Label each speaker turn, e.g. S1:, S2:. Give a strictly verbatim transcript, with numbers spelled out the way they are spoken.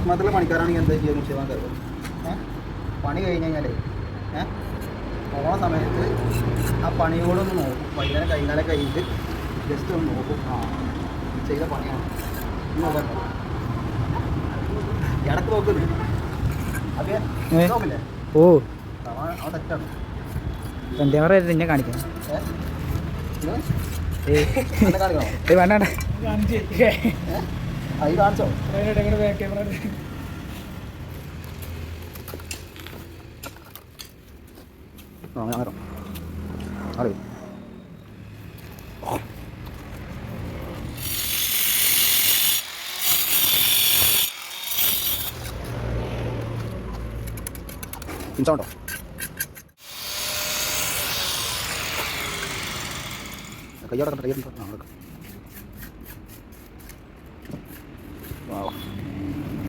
S1: കസ്മത്തിലെ പണിക്കാരാണെങ്കിൽ എന്താ ചെയ്യുക നിശ്ചയമാൻ കരുതും. ഏഹ് പണി കഴിഞ്ഞ് കഴിഞ്ഞാലേ ഏഹ് പോണ സമയത്ത് ആ പണിയോടൊന്ന് നോക്കും. വൈകുന്നേരം കൈകാലം കഴിഞ്ഞിട്ട് ജസ്റ്റ് ഒന്ന് നോക്കും. ആ ചെയ്ത പണിയാണ് നോക്കാം. ഇടക്ക് നോക്കുന്നു അതെ നോക്കില്ലേ?
S2: ഓ
S1: അവൻ തെറ്റാണ്.
S2: എന്താ പറയുക നിന്നെ കാണിക്കാം.
S1: കാണിക്കണോ?
S2: വേണ്ട
S1: അത് കാണിച്ചോ? ആ ഞാൻ അറിയാം അറിയും. പിടിച്ചോണ്ടോ? കയ്യോടെ കണ്ട കയ്യോടെ ആ